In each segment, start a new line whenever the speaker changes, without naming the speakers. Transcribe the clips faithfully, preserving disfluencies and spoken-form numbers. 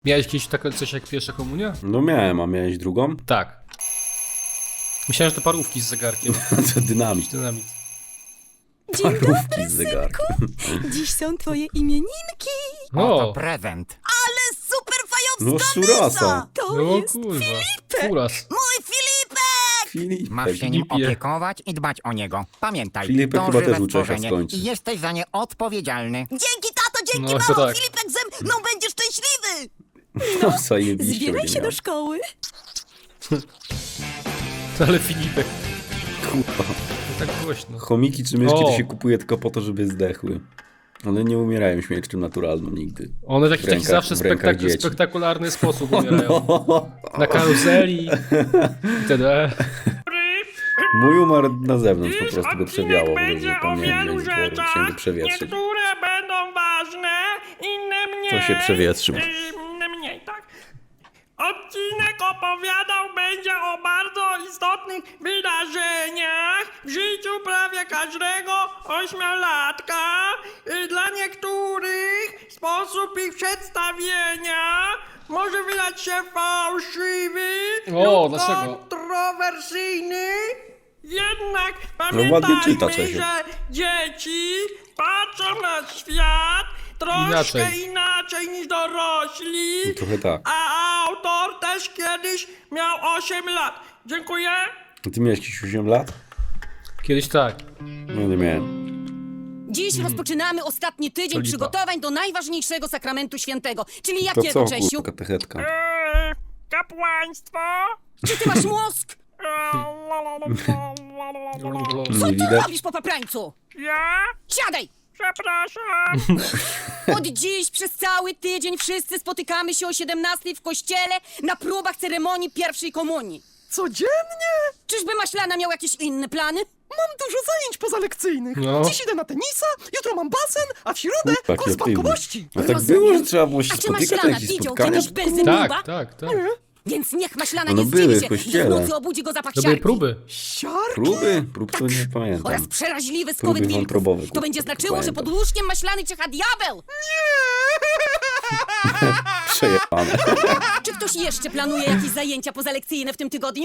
Miałeś kiedyś takie coś jak pierwsza komunia?
No miałem, a miałeś drugą?
Tak. Myślałem, że to parówki z zegarkiem.
To dynamit.
Dynamit.
Dzień
Parówki z zegarkiem.
Dziś są twoje imieninki.
Oto
O,
prezent.
Ale super
No
fajowska
szurasa.
mysza. To
no
jest
kurwa. Furas.
mój Filipek.
Filipek.
Masz się nim
Filipie.
opiekować i dbać o niego. Pamiętaj,
Filipek
to
chyba
żywe
też uczecha
stworzenie
skończy.
i jesteś za nie odpowiedzialny.
Dzięki tato, dzięki
No,
mamo.
tak.
Filipek ze mną będzie szczęśliwy.
No zajebiście
Zbieraj
będzie
się
miał.
do szkoły.
Ale Filipek.
Kurwa.
To tak głośno.
Chomiki czy myszki
O.
to się kupuje tylko po to, żeby zdechły. One nie umierają śmiercią naturalną nigdy.
One w taki,
W
taki
rękach-
zawsze
w rękach
spektak
dzieci.
spektakularny sposób umierają. Na karuzeli. Itd.
Mój umarł na zewnątrz, po
Dziś
prostu go
odcinek
przewiało, bo
będzie
że
o
tam nie
wielu
wiem, chciałem
rzeczach.
go przewietrzyć.
Niektóre będą ważne, inne mniej.
To się przewietrzył.
Inne mniej, tak. Odcinek opowiadał będzie o bardzo istotnych wydarzeniach w życiu prawie każdego ośmiolatka. Y, Dla niektórych sposób ich przedstawienia może wydać się fałszywy
O,
lub
dlaczego?
kontrowersyjny. Jednak
No ładnie czyta,
pamiętajmy,
Czesiu.
że dzieci patrzą na świat troszkę
Inaczej.
inaczej, niż dorośli.
No trochę tak.
A autor też kiedyś miał osiem lat. Dziękuję.
A ty miałeś jakieś osiem lat?
Kiedyś tak.
No nie miałem.
Dziś rozpoczynamy ostatni tydzień
To lipa.
przygotowań do najważniejszego sakramentu świętego. Czyli
To
jakiego,
co,
Czesiu?
kurwa, katechetka?
Eee, kapłaństwo.
Czy ty masz mózg?
Eee,
Co
Nie
ty
widać?
robisz po paprańcu?
Ja?
Siadaj!
Przepraszam.
Od dziś przez cały tydzień wszyscy spotykamy się o siedemnastej w kościele na próbach ceremonii pierwszej komunii.
Codziennie?
Czyżby Maślana miał jakieś inne plany?
Mam dużo zajęć pozalekcyjnych.
No.
Dziś idę na tenisa, jutro mam basen, a w środę
Kurwa,
kurs
jaki
bankowości.
A tak
Rozumiem.
było, że trzeba było się
A czy
spotykać na
Maślana
jakieś
widział
spotkania?
kiedyś Belzebuba?
Tak, tak, tak.
Więc niech Maślana
No
nie
były
zdziwi
w
się,
kościele.
gdy w nocy obudzi go zapach
To były
siarki.
próby.
Siarki?
Próby? Prób to nie
Oraz
pamiętam.
przeraźliwy
Próby
skowyt wilków.
wątrobowe,
To
kurwa,
będzie
tylko
znaczyło, że
pamiętam.
pod łóżkiem Maślany czyha diabeł.
Przejebane.
Czy ktoś jeszcze planuje jakieś zajęcia pozalekcyjne w tym tygodniu?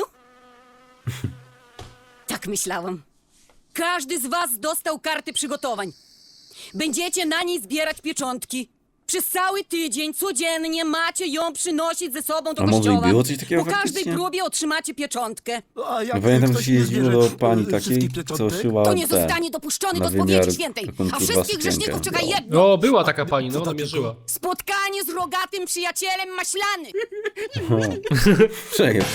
Tak myślałam. Każdy z was dostał karty przygotowań. Będziecie na niej zbierać pieczątki. Przez cały tydzień, codziennie macie ją przynosić ze sobą do
A może i
kościoła.
było coś takiego
Po każdej
faktycznie?
próbie otrzymacie pieczątkę.
A jak
No pamiętam, że
ktoś
się
nie
jeździło
zbierze,
do pani
e,
takiej,
wszystkich
co
pieczątek?
szyła
To nie
te,
zostanie dopuszczony
na
do
wymiar,
spowiedzi świętej.
taką,
A
kurwa,
wszystkich
sukienkę
grzeszników czeka
miała.
jedno.
No, była taka pani, no
Co
ona
takiego?
mnie żyła.
Spotkanie z rogatym przyjacielem Maślany.
Przejeb.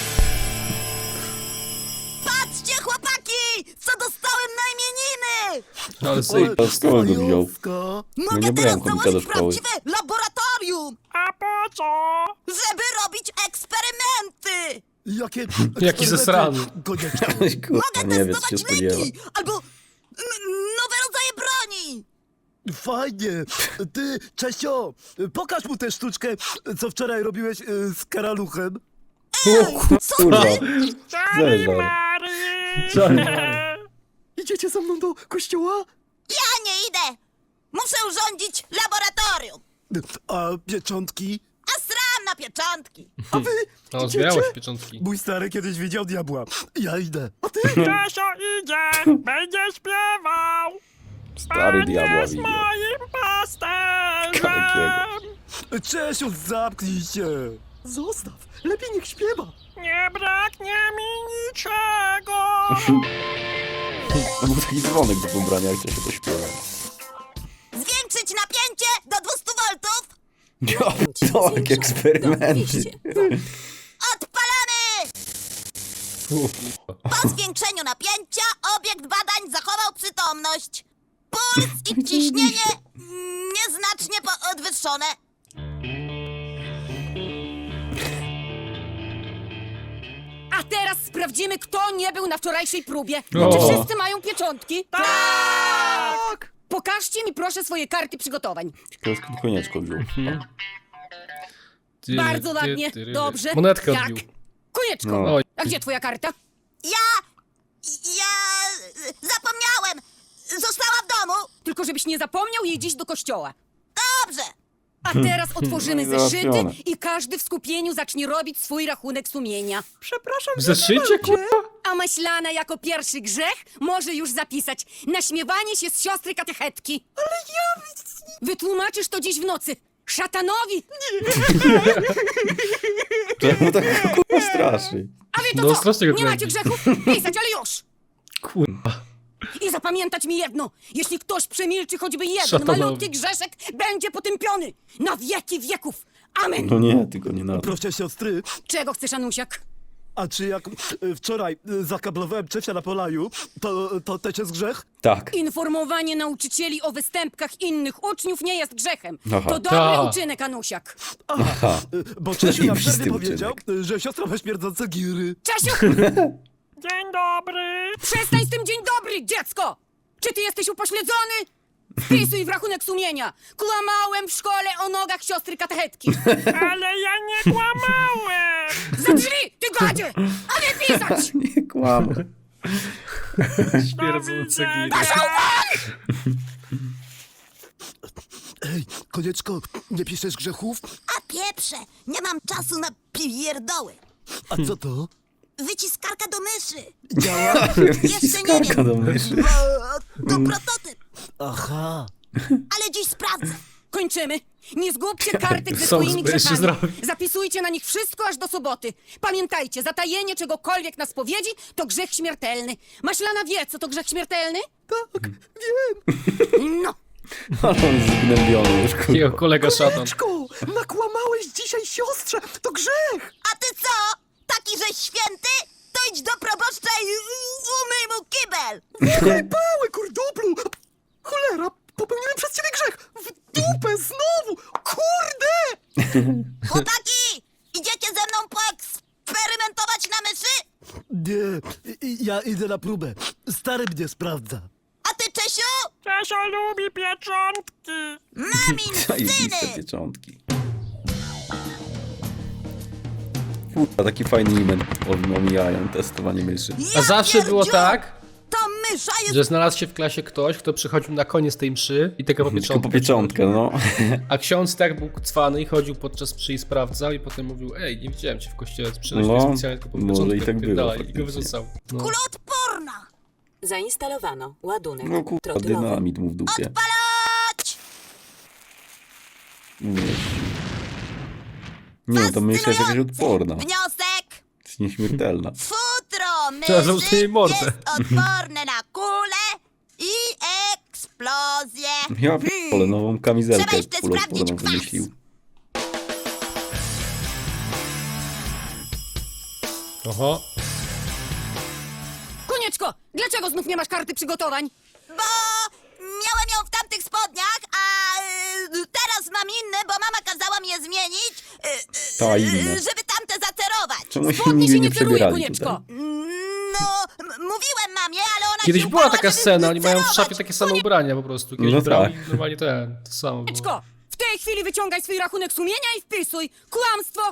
Patrzcie, chłopaki! Co dostałem na imieniny!
Ale syj.
A skąd go wziął?
Fajowska.
No nie brałem chomika do szkoły.
laboratorium,
A po co?
żeby robić eksperymenty!
Jakie
Jaki zesrany.
Konieczko.
Kurwa, nie wiem, co się spodziewa.
albo nowe rodzaje broni!
Fajnie. Ty, Czesio, pokaż mu tę sztuczkę, co wczoraj robiłeś e, z karaluchem.
Kurwa.
Sorry,
Zeżar.
Mary.
Sorry,
Idziecie ze mną do kościoła?
Ja nie idę! Muszę urządzić laboratorium!
A pieczątki?
A sram na pieczątki!
A wy
No,
idziecie?
zbierałeś pieczątki.
Mój stary kiedyś widział diabła. Ja idę. A ty?
Czesio idzie, będzie śpiewał.
Stary
Pan
diabła
jest
widział.
moim pasterzem.
Kalekiego.
Czesiu, zamknij się. Zostaw. Lepiej niech śpiewa.
Nie braknie mi niczego.
To był taki dzwonek do pobrania, jak to się to śpiewa.
Zwiększyć napięcie do dwieście woltów!
No, to jak eksperymenty.
Odpalamy! Po zwiększeniu napięcia obiekt badań zachował przytomność. Puls i ciśnienie nieznacznie podwyższone. A teraz sprawdzimy, kto nie był na wczorajszej próbie.
O.
Czy wszyscy mają pieczątki? Tak! Pokażcie mi proszę swoje karty przygotowań.
Ciekawe, skąd konieczko wziął.
Tyry,
Bardzo
ty,
ładnie,
tyry.
dobrze.
Monetkę
Jak?
odbił.
Konieczko,
No.
Oj.
a gdzie twoja karta? Ja... ja... zapomniałem. Została w domu. Tylko żebyś nie zapomniał jej dziś do kościoła. Dobrze. A teraz otworzymy
No i
zeszyty
załatwione.
i każdy w skupieniu zacznie robić swój rachunek sumienia.
Przepraszam,
W zeszycie, kurwa?
A Maślana jako pierwszy grzech może już zapisać naśmiewanie się z siostry katechetki. Ale ja... Wytłumaczysz to dziś w nocy. Szatanowi!
Czemu tak kurwa straszy?
A wy to
No,
co?
strasznie go
Nie macie
kręci.
grzechów? Pisać, ale już!
Kurwa.
I zapamiętać mi jedno. Jeśli ktoś przemilczy choćby jeden
Szatanowi.
malutki grzeszek, będzie potępiony. Na wieki wieków. Amen.
No nie, tylko nie na to.
Proszę siostry,
Czego chcesz, Anusiak?
a czy jak y, wczoraj y, zakablowałem Czesia na Polaju, to, to też jest grzech?
Tak.
Informowanie nauczycieli o występkach innych uczniów nie jest grzechem.
Aha.
To dobry
Ta.
uczynek, Anusiak.
Aha.
Y, Bo Czesiu na
Zajebisty
przerwie
uczynek.
powiedział, y, że siostra ma śmierdzące giry.
Czesiu,
Dzień dobry.
przestań z tym dzień dobry, dziecko! Czy ty jesteś upośledzony? Wpisuj w rachunek sumienia. Kłamałem w szkole o nogach siostry katechetki.
Ale ja nie kłamałem.
Za drzwi, ty gadzie! A nie pisać!
Nie kłamę.
Śmierdzące
widzenia.
giry.
Ej, Konieczko, nie piszesz grzechów?
A pieprze, nie mam czasu na pierdoły.
A co to?
Wyciskarka do myszy.
Działa?
Jeszcze nie
Skarka do
wiem,
myszy.
bo to prototyp,
Aha.
ale dziś sprawdzę.
Kończymy. Nie zgubcie kartek ze
Są
swoimi
zbyt jeszcze
grzechami.
zrobić.
Zapisujcie na nich wszystko aż do soboty. Pamiętajcie, zatajenie czegokolwiek na spowiedzi to grzech śmiertelny. Maślana wie, co to grzech śmiertelny?
Tak, wiem.
No.
Ale on jest zgnębiony już, kurwa.
Jego kolega szatan.
Konieczko, nakłamałeś dzisiaj siostrze, to grzech.
A ty co? Taki, że święty? To idź do proboszcza i umyj mu kibel.
Pały, kurduplu. Cholera, popełniłem przez ciebie grzech. W dupę znowu. Kurde.
Chłopaki, idziecie ze mną poeksperymentować na myszy?
Nie, i- ja idę na próbę. Stary mnie sprawdza.
A ty, Czesiu?
Czesio lubi pieczątki.
Mamin
Zajebiste
syny.
pieczątki. Kurwa, taki fajny event omijają testowanie myszy.
A
Ja
zawsze było
pierdziu,
tak,
To mysza jest...
że znalazł się w klasie ktoś, kto przychodził na koniec tej mszy i tego po
Tylko
pieczątkę.
po pieczątkę, no.
A ksiądz tak był cwany i chodził podczas mszy i sprawdzał i potem mówił: ej, nie widziałem cię w kościele, przyszedłeś
No,
specjalnie tylko po
może
pieczątkę.
i tak było
wypierdalaj. I go
faktycznie.
wyrzucał. No.
Kuloodporna.
Zainstalowano ładunek
No kurwa, dynamit mu w dupie.
Palać!
Mówię. Nie, to mysza jest jakaś
Fascynujący
odporna.
Wniosek.
Jest nieśmiertelna.
Futro
Trzeba
myszy
zamknąć jej mordę.
jest odporne na kule i eksplozję.
Ja p***ole, nową kamizelkę
Trzeba jeszcze
kuloodporną
sprawdzić kwas.
wymyślił.
Oho.
Konieczko, dlaczego znów nie masz karty przygotowań?
Bo miałem ją w tamtych spodniach, a y, teraz mam inne, bo mama kazała mi je zmienić, y, y,
Ta
y,
inne.
żeby tamte zacerować.
Czemu się
Spodnie
nigdy
się
nie
nie ceruje,
przebierali
Konieczko.
tutaj?
No, m- mówiłem mamie, ale ona
Kiedyś
się
była
upała,
taka
żeby
scena, oni mają w
cerować.
szafie takie same ubrania po prostu. Kiedyś
No
brali
tak.
normalnie ten, to samo było.
Konieczko, w tej chwili wyciągaj swój rachunek sumienia i wpisuj. Kłamstwo.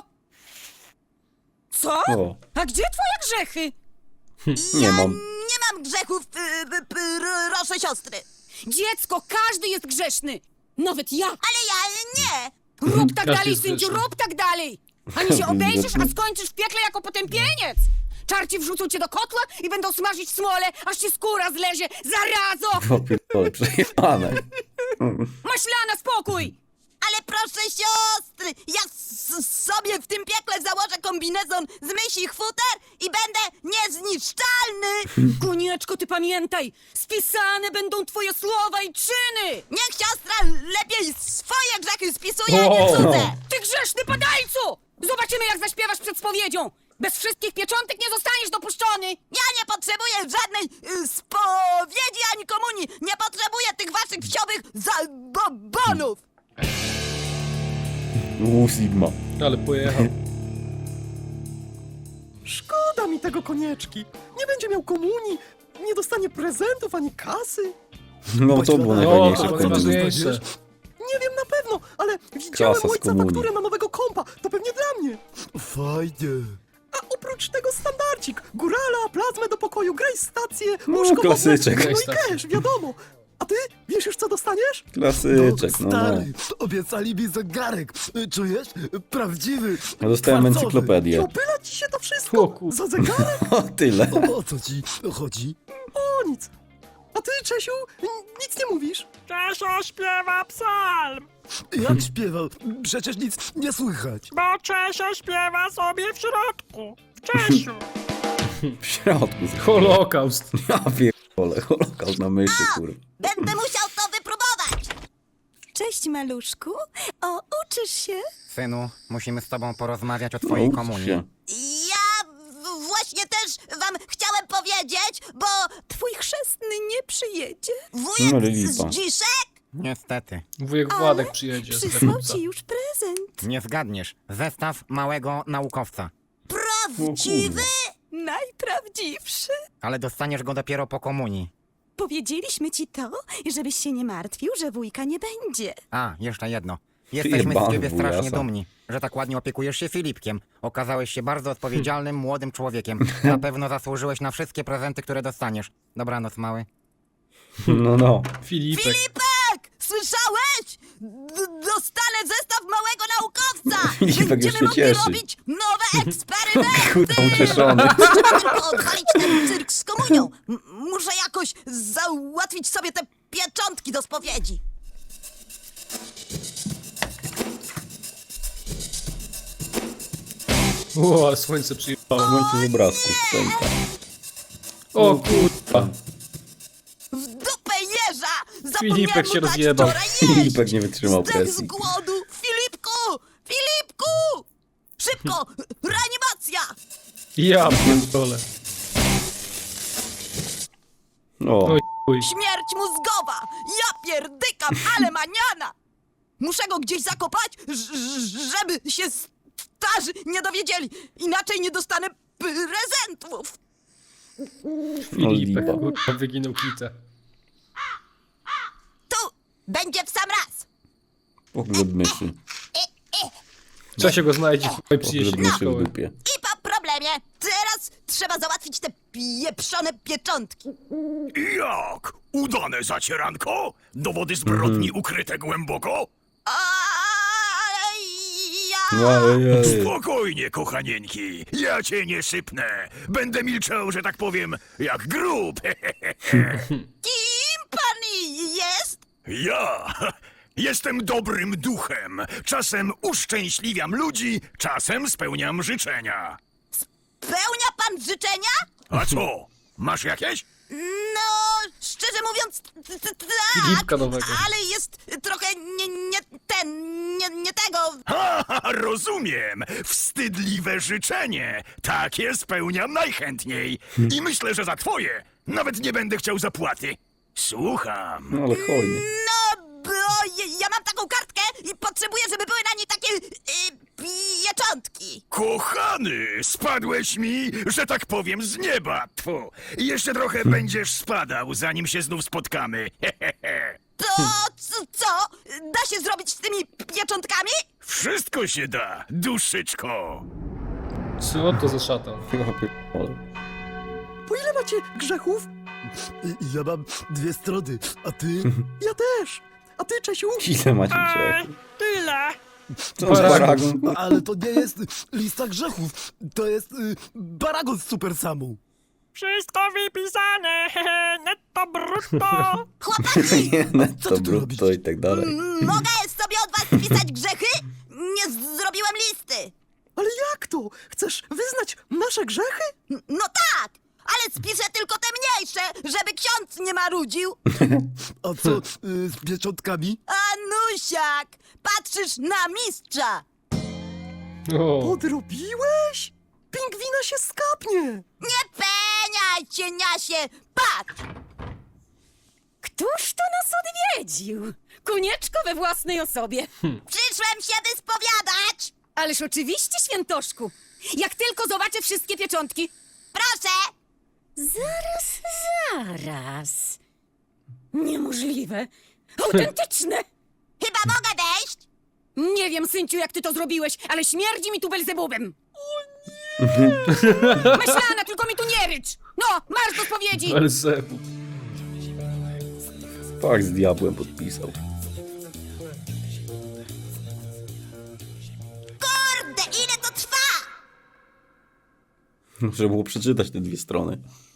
Co?
O,
A gdzie twoje grzechy?
nie
ja
mam.
nie mam grzechów, y, y, y, proszę siostry.
Dziecko, każdy jest grzeszny. Nawet ja.
Ale ja nie.
Rób tak
Każdy
dalej,
jest
synciu,
grzeszny.
rób tak dalej. Ani się obejrzysz, a skończysz w piekle jako potępieniec. Czarci wrzucą cię do kotła i będą smażyć smolę, aż ci skóra zlezie. Zarazo!
O pierdolę, przejebane.
Maślana, spokój!
Ale proszę siostry, ja s- sobie w tym piekle założę kombinezon z mysich futer i będę niezniszczalny.
Konieczko, ty pamiętaj, spisane będą twoje słowa i czyny.
Niech siostra lepiej swoje grzechy spisuje, a nie
O!
cudze.
Ty grzeszny padajcu! Zobaczymy, jak zaśpiewasz przed spowiedzią. Bez wszystkich pieczątek nie zostaniesz dopuszczony.
Ja nie potrzebuję żadnej y, spowiedzi ani komunii. Nie potrzebuję tych waszych wsiowych zabobonów.
U Sigma.
Ale pojechał.
Szkoda mi tego Konieczki. Nie będzie miał komunii, nie dostanie prezentów ani kasy.
No to było
Maślana.
najfajniejsze
O,
w
to
końcu.
najważniejsze.
Nie wiem na pewno, ale widziałem
Kasa z
ojca
komunii.
fakturę na nowego kompa. To pewnie dla mnie. Fajnie. A oprócz tego standardzik. Górala, plazmę do pokoju, graj stację,
No,
łóżko
klasyczek.
wodne, no
Graj
i
stację.
cash, wiadomo. A ty? Wiesz już, co dostaniesz?
Klasyczek, no no.
Stary, obiecali mi zegarek. Czujesz? Prawdziwy.
Ja dostałem
kwarcowy.
I
encyklopedię.
opyla ci się to wszystko?
O kur...
Za zegarek?
O, tyle.
O, o co ci chodzi?
O nic. A ty, Czesiu, n- nic nie mówisz.
Czesio śpiewa psalm,
Jak śpiewał? Przecież nic nie słychać.
bo Czesio śpiewa sobie w środku. W Czesiu.
W środku.
Holokaust.
Ja pierdolę, holokaust na myszy, kurwa.
Będę musiał to wypróbować. Cześć, maluszku. O, uczysz się?
Synu, musimy z tobą porozmawiać o
No,
twojej
ucz
komunii.
się.
Ja w- właśnie też wam chciałem powiedzieć, bo twój chrzestny nie przyjedzie.
No,
Wujek
lipa.
z Dziszek
Niestety.
Wujek Władek przyjedzie. z
przysłał
Legnica.
ci już prezent.
Nie zgadniesz. Zestaw małego naukowca.
Prawdziwy? Najprawdziwszy.
Ale dostaniesz go dopiero po komunii.
Powiedzieliśmy ci to, żebyś się nie martwił, że wujka nie będzie.
A, jeszcze jedno. Jesteśmy z
Jebany
ciebie strasznie
wujasa.
dumni, że tak ładnie opiekujesz się Filipkiem. Okazałeś się bardzo odpowiedzialnym, młodym człowiekiem. Na pewno zasłużyłeś na wszystkie prezenty, które dostaniesz. Dobranoc, mały.
No, no.
Filipek.
Filipek! Słyszałeś? D- dostanę zestaw małego naukowca!
Filipek
Będziemy
już się
mogli
cieszy.
robić nowe eksperymenty!
Kurwa, ucieszony.
Trzeba tylko odwalić ten cyrk z komunią. M- muszę jakoś załatwić sobie te pieczątki do spowiedzi.
O, ale słońce przyjechało.
Słońce z obrazków. Pęka.
O kurwa.
W dupę jeża!
Filipek
Zapomniałem
się
mu dać
rozjebał.
wczoraj jeść.
Filipek nie wytrzymał
Zdech z
presji.
głodu! Filipku! Filipku! Szybko! Reanimacja!
Ja pierdolę.
O,
Oj, chuj.
Śmierć mózgowa! Ja pierdykam, ale maniana! Muszę go gdzieś zakopać, ż- ż- żeby się starzy nie dowiedzieli. Inaczej nie dostanę prezentów.
no
Filipek,
lipa.
kurwa, wyginął kitę.
Tu będzie w sam raz.
Pogrzeb myszy.
Czesio go znajdzie, kurwa, i przyjedzie
Pogrzeb
do
myszy w
szkoły.
dupie.
I po problemie. Teraz trzeba załatwić te pieprzone pieczątki.
Jak? Udane zacieranko? Dowody zbrodni ukryte głęboko?
A ja...
No, ej, ej.
Spokojnie, kochanieńki. Ja cię nie sypnę. Będę milczał, że tak powiem, jak grób.
Kim pan jest?
Ja jestem dobrym duchem. Czasem uszczęśliwiam ludzi, czasem spełniam życzenia.
Pełnia pan życzenia?
A co? Masz jakieś?
No, szczerze mówiąc, t- t- tak,
Filipka nowego.
ale jest trochę nie, nie ten, nie, nie tego.
Ha, ha, rozumiem. Wstydliwe życzenie. Takie spełniam najchętniej. I myślę, że za twoje nawet nie będę chciał zapłaty. Słucham.
No ale hojny.
No, bo ja, ja mam taką kartkę i potrzebuję, żeby były na niej takie y, pieczątki.
Kochany, spadłeś mi, że tak powiem, z nieba. Tfu. Jeszcze trochę będziesz spadał, zanim się znów spotkamy.
To co, co? Da się zrobić z tymi pieczątkami?
Wszystko się da, duszyczko.
Co to za szatan?
Ja pierdolę.
Po ile macie grzechów?
Ja mam dwie strony, a ty?
Ja też. A ty, Czesiu?
Ile macie
Ej,
grzechu?
tyle.
Co z paragon?
Ale to nie jest lista grzechów. To jest y, paragon z Super Samu.
Wszystko wypisane. Netto brutto.
Chłopaki,
Nie,
Co
netto,
ty tu
brutto
robisz?
i tak dalej.
mogę sobie od was spisać grzechy? Nie z- zrobiłem listy.
Ale jak to? Chcesz wyznać nasze grzechy?
N- No tak, ale spiszę tylko te mniejsze, żeby ksiądz nie marudził.
A co y, z pieczątkami?
Anusiak, patrzysz na mistrza.
O,
Odrobiłeś? Pingwina się skapnie.
Nie peniaj, cieniasie, patrz.
Któż to nas odwiedził? Konieczko we własnej osobie.
Przyszłem się wyspowiadać.
Ależ oczywiście, świętoszku. Jak tylko zobaczę wszystkie pieczątki.
Proszę.
Zaraz, zaraz. Niemożliwe. Autentyczne.
Chyba mogę wejść?
Nie wiem, synciu, jak ty to zrobiłeś, ale śmierdzi mi tu Belzebubem. O nie! Myślana, tylko mi tu nie rycz. No, marsz do spowiedzi.
Belzebub.
Pakt z diabłem podpisał.
Kurde, ile to trwa?
Trzeba było przeczytać te dwie strony.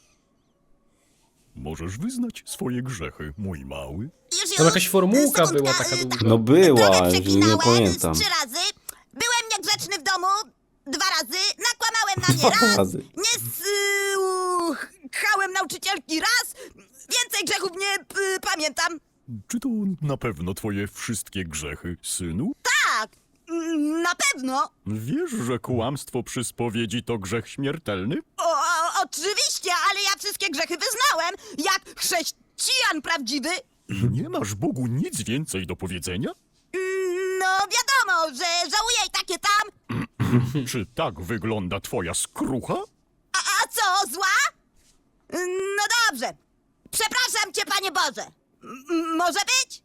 Możesz wyznać swoje grzechy, mój mały.
Już, już.
Tam jakaś formułka
Sekundka,
była taka
y,
długa.
No była,
Trochę
że nie
przeklinałem
pamiętam.
z trzy razy. Byłem niegrzeczny w domu dwa razy. Nakłamałem na nie
Dwa
raz.
razy.
Nie słuchałem nauczycielki raz. Więcej grzechów nie y, pamiętam.
Czy to na pewno twoje wszystkie grzechy, synu?
Tak, mm, na pewno.
Wiesz, że kłamstwo przy spowiedzi to grzech śmiertelny?
O, o, oczywiście, ale ja wszystkie grzechy wyznałem. Jak chrześcijan prawdziwy.
Nie masz Bogu nic więcej do powiedzenia?
Mm, No wiadomo, że żałuję i takie tam.
Czy tak wygląda twoja skrucha?
A, a co, zła? No dobrze. Przepraszam cię, Panie Boże. M- może być?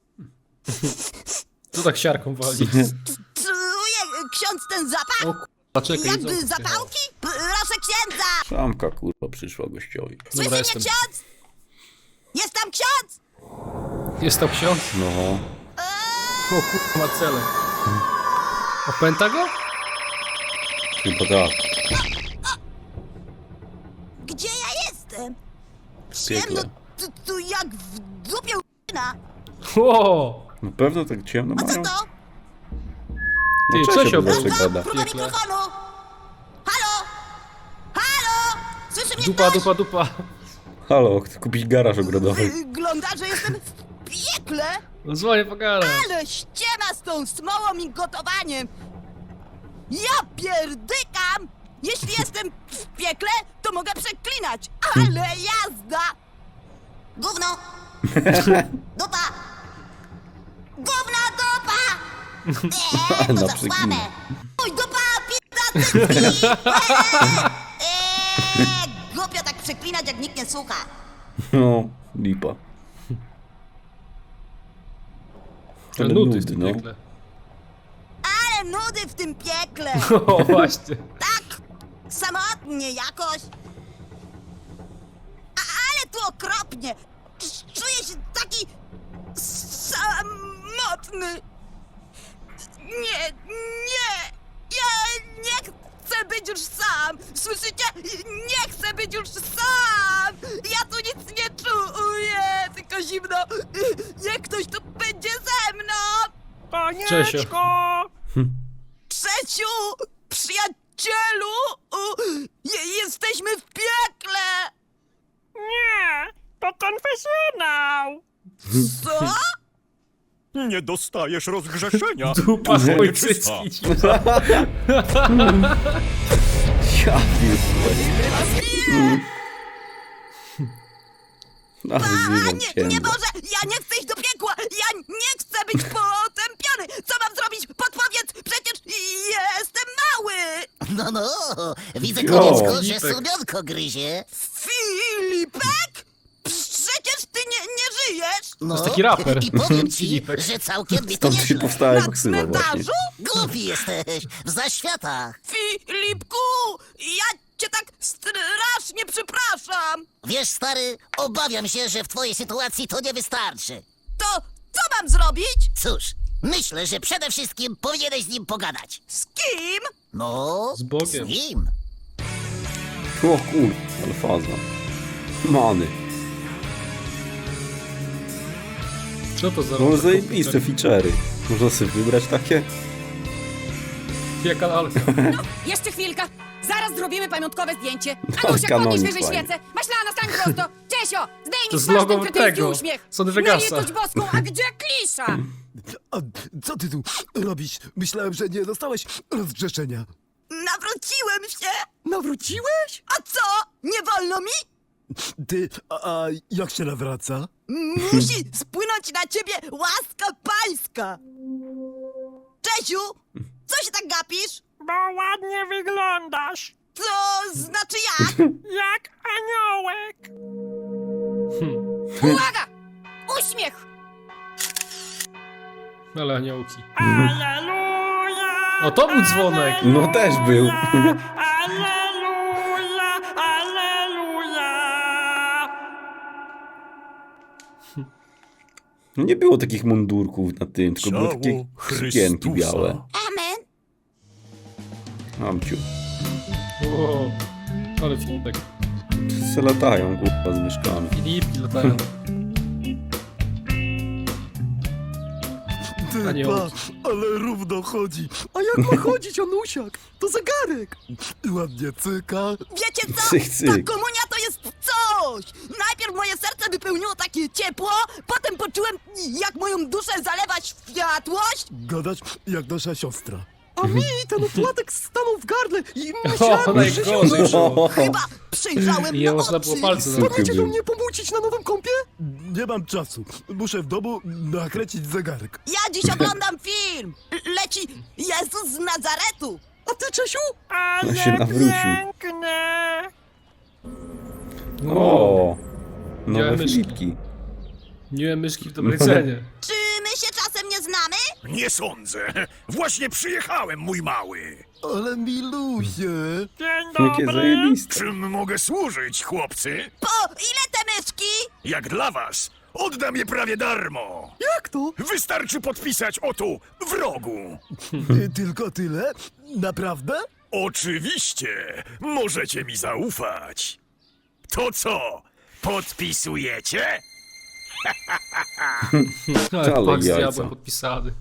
Tu tak siarką wali.
Czuje ksiądz ten zapach?
O kurwa, czekaj.
Jakby
jedzonko
zapałki? Proszę księdza.
Szamka kurwa przyszła gościowi.
Słyszy
Dobra,
mnie
jestem.
ksiądz? Jest tam ksiądz?
Jest to ksiądz?
No.
O kurwa, ma cele. Opęta go?
Chyba tak.
Gdzie ja jestem?
W
Ciemno
piekle.
tu, tu jak w dupie u***na.
O!
Na pewno tak ciemno
A co
mają?
to?
Ty,
No
Czesio
Czesio
był.
zawsze gada.
Próba
Piekle.
mikrofonu. Halo? Halo? Słyszy mnie
Dupa,
ktoś?
dupa, dupa.
Halo, chcę kupić garaż ogrodowy.
Wygląda, że jestem w piekle.
No dzwonię po garaż.
Ale ściema z tą smołą i gotowaniem! Ja pierdykam! Jeśli jestem w piekle, to mogę przeklinać, ale jazda! Gówno! Dupa! Gówno, dupa! Eee, to
Na
za
przeklinę.
słabe! Oj, dupa, pizda, cycki! Eee, głupio tak przeklinać, jak nikt nie słucha.
No, lipa.
Ale
Ale
nudy w
nudy,
tym
no.
piekle.
Ale nudy w tym piekle!
O, właśnie.
Tak, samotnie jakoś. A, ale tu okropnie. Czuję się taki samotny. Nie, nie. Ja nie chcę być już sam. Słyszycie? Nie chcę być już sam. Ja tu nic nie czuję, tylko zimno. Niech ktoś tu będzie ze mną.
Panieczko!
Trzeciu, przyjacielu, u, je, jesteśmy w piekle!
Nie, to konfesjonał!
Co?
Nie dostajesz rozgrzeszenia.
Dupa,
Dużo
chuj,
nieczysta.
cycki.
Ja pierdolę. A
A
wyzywam
nie,
cię.
nie może! Ja nie chcę iść do piekła! Ja nie chcę być potępiony! Co mam zrobić? Podpowiedz! Przecież jestem mały!
No, no, widzę,
Jo,
konieckko, że
Filipek.
słonionko gryzie.
Filipek? Przecież ty nie, nie żyjesz!
No,
jest taki raper.
I powiem ci,
Filipek.
że całkiem mi to
Stąd się
nieźle.
powstała
Na
jego ksywa właśnie.
cmentarzu?
Głupi jesteś, w zaświatach.
Filipku! Ja cię tak strasznie przepraszam!
Wiesz, stary, obawiam się, że w twojej sytuacji to nie wystarczy.
To co mam zrobić?
Cóż, myślę, że przede wszystkim powinieneś z nim pogadać.
Z kim?
No,
Z Bogiem.
z nim.
O kur... ale faza. Many.
Co to za
No
rower?
zajebiste feature'y. Można sobie wybrać takie?
Jaka lalka.
Jeszcze chwilka. Zaraz zrobimy pamiątkowe zdjęcie.
Tak,
Anusia,
kanonik
podnieś wyżej
fajny.
świecę. Maślana, stań prosto. Czesio,
To
zdejmij
z
twarz
logo
ten kretyński
tego,
uśmiech.
z Od
Na
Vegasa.
litość boską, a gdzie klisza?
A co ty tu robisz? Myślałem, że nie dostałeś rozgrzeszenia.
Nawróciłem się!
Nawróciłeś?
A co? Nie wolno mi?
Ty, a, a jak się nawraca?
Musi spłynąć na ciebie łaska pańska! Czesiu, co się tak gapisz?
Bo ładnie wyglądasz!
To znaczy jak?
Jak aniołek!
Uwaga! Uśmiech!
Ale aniołki.
Aleluja!
O, to był dzwonek.
No też był.
Aleluja! Aleluja!
No nie było takich mundurków na tym, tylko były takie
Ciało
sukienki
Chrystusa.
białe.
Amen.
Mamciu.
Wow. Ale Filipek.
Se latają, kurwa, z myszkami.
Filipki latają.
Ty,
A nie
pa,
on.
ale równo chodzi.
A jak ma chodzić, Anusiak? To zegarek.
I ładnie cyka.
Wiecie co?
Cyk, cyk.
Ta komunia to jest coś! Najpierw moje serce wypełniło takie ciepło, potem poczułem, jak moją duszę zalewa światłość.
Gadać jak nasza siostra.
A mi ten opłatek stanął w gardle i myślałem,
O,
że się
najgorzej było.
Chyba przejrzałem
I
na
można było
oczy.
palce zamknąć.
Chcecie do
był.
mnie pomócić na nowym kompie?
Nie mam czasu. Muszę w domu nakręcić zegarek.
Ja dziś oglądam film. Leci Jezus z Nazaretu.
A ty, Czesiu?
Ale
się nawrócił.
piękne.
O, nowe
Widziałem myszki.
Filipki.
Miłem myszki w dobrej cenie.
Czy my się czasem nie znamy?
Nie sądzę. Właśnie przyjechałem, mój mały.
Ale milusie.
Dzień
Jakie
dobry.
zajebiste.
Czym mogę służyć, chłopcy?
Po ile te myszki?
Jak dla was, oddam je prawie darmo.
Jak to?
Wystarczy podpisać o tu, w rogu.
Y, Tylko tyle? Naprawdę?
Oczywiście, możecie mi zaufać. To co, podpisujecie?
Ale
Ale
pak z
jajca.
diabłem podpisany.